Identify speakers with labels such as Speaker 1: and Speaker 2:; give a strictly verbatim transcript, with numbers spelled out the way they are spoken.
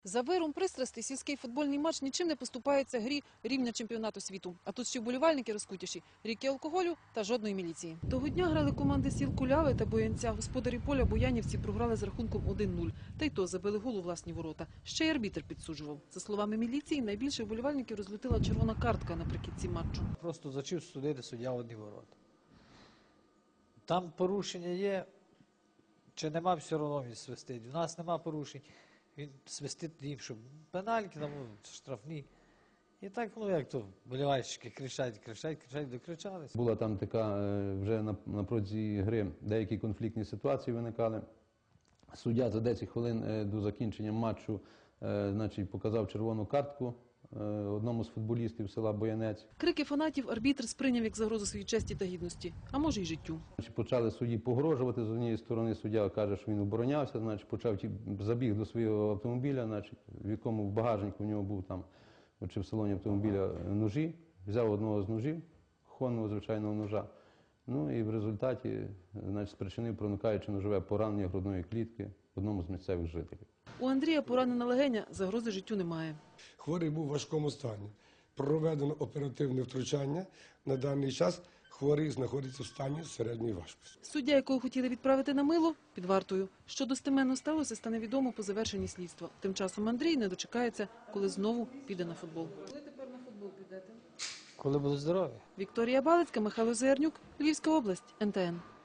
Speaker 1: За виром пристрастей сільський футбольний матч нічим не поступається грі рівня чемпіонату світу. А тут ще вболівальники розкутіші, ріки алкоголю та жодної міліції. Того дня грали команди сіл Куляви та Боянця. Господарі поля боянівці програли з рахунком один нуль. Та й то забили гол у власні ворота. Ще й арбітр підсуджував. За словами міліції, найбільше вболівальників розлютила червона картка наприкінці матчу.
Speaker 2: Просто зачив судити суддя в одні ворота. Там порушення є, чи нема, все одно він свистить. У нас нема порушень. Він свистить їм, щоб пенальки, там, штрафні. І так, ну як то, болівальщики кричать, кричать, кричать, докричались.
Speaker 3: Була там така, вже на, на протязі гри деякі конфліктні ситуації виникали. Суддя за десять хвилин до закінчення матчу значить, показав червону картку одному з футболістів села Боянець.
Speaker 1: Крики фанатів арбітр сприйняв як загрозу своїй честі та гідності, а може й життю.
Speaker 3: Почали судді погрожувати, з однієї сторони суддя каже, що він оборонявся, значить, почав забіг до свого автомобіля, значить, в якому в багажнику у нього був там, чи в салоні автомобіля ножі, взяв одного з ножів, хонного звичайного ножа, ну і в результаті значить, спричинив проникаюче ножове поранення грудної клітки одному з місцевих жителів.
Speaker 1: У Андрія поранена легеня, загрози життю немає.
Speaker 4: Хворий був у важкому стані. Проведено оперативне втручання. На даний час хворий знаходиться в стані середньої важкості.
Speaker 1: Суддя, якого хотіли відправити на мило, під вартою. Що достеменно сталося, стане відомо по завершенні слідства. Тим часом Андрій не дочекається, коли знову піде на футбол. Коли тепер на футбол підете?
Speaker 2: Коли будуть здорові.
Speaker 1: Вікторія Балицька, Михайло Зернюк, Львівська область, ен те ен.